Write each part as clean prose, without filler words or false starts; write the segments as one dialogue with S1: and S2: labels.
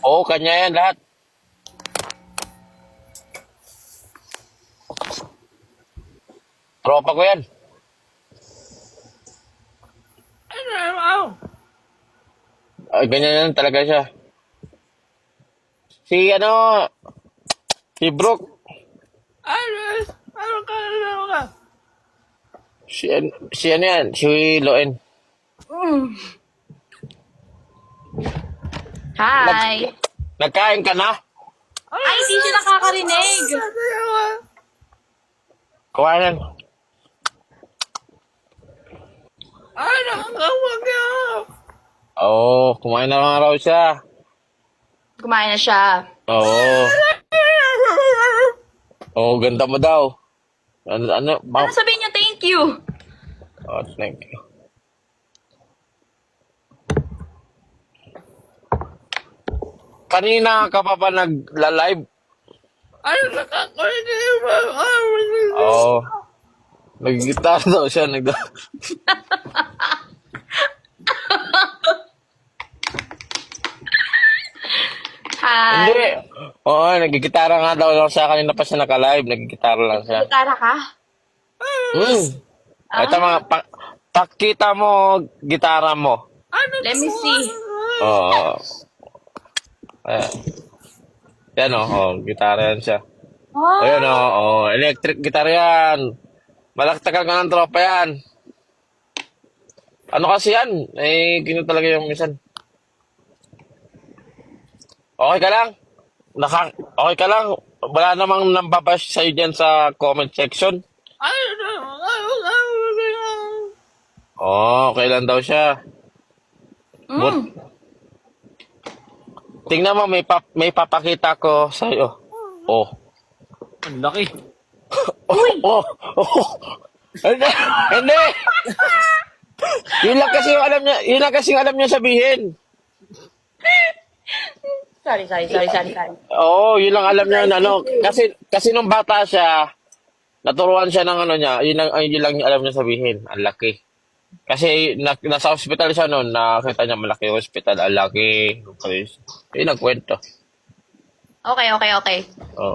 S1: Oo, kanya yan lahat. Tropa ko yan.
S2: Ano?
S1: Ay, ganyan yan talaga siya. Si ano, si Brooke,
S2: Ano? Ano ka?
S1: si ano yan, si Loen. Nag,
S3: Hi!
S1: nagkain ka na?
S3: Ay, hindi siya nakakarinig.
S1: Kumain yan.
S2: Ano? Huwag niyo.
S1: Oo, kumain na nga raw siya.
S3: Kumain na siya.
S1: Oo. Oo, ganda mo daw. Ano,
S3: Ano sabihin niyo thank you?
S1: Oh, thank you. Kanina ka pa ba nagla-live?
S2: Ano nakakulit mo?
S1: Oo. Nag-guitar daw siya.
S3: Hi!
S1: Hindi. Oo, nag-gitara nga daw lang siya. Kanina pa siya naka-live. Nag-gitara lang siya.
S3: Gitara ka?
S1: Hmm. Ito mga, pakita mo gitara mo.
S3: Let me see.
S1: Oo. Ayan. Yan o. Oh, gitara yan siya.
S3: Oh,
S1: Ayun o. Oh, electric guitar yan. Malaktakan ka ng tropa yan. Ano kasi yan? Eh, gino talaga yung minsan. Okay ka lang? Okay ka lang? Wala namang nambabash sa'yo dyan sa comment section. Oh, okay lang daw siya. But, tingnan mo, may papakita ko sa'yo. Oh.
S2: Ang laki.
S1: Oh, oh. Hindi, hindi. Yun lang kasi yung alam niya, yun lang kasi yung alam niya sabihin.
S3: sorry.
S1: Oo, yun lang alam niya na ano. Kasi nung bata siya, naturuan siya ng ano niya, yun lang alam niya sabihin. Ang laki. Kasi nasa hospital siya noon, nakita niya malaki yung hospital, ang laki. Yun ang kwento.
S3: Okay.
S1: Oh.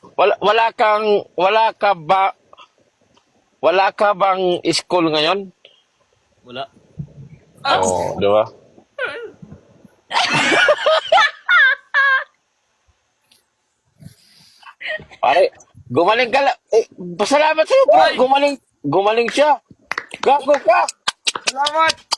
S1: Wala ka bang school ngayon?
S2: Wala.
S1: Oo, di ba? Ay, gumaling ka lang. Eh, pasalamat sa'yo, bro. Gumaling siya. Gago ka.
S2: Salamat!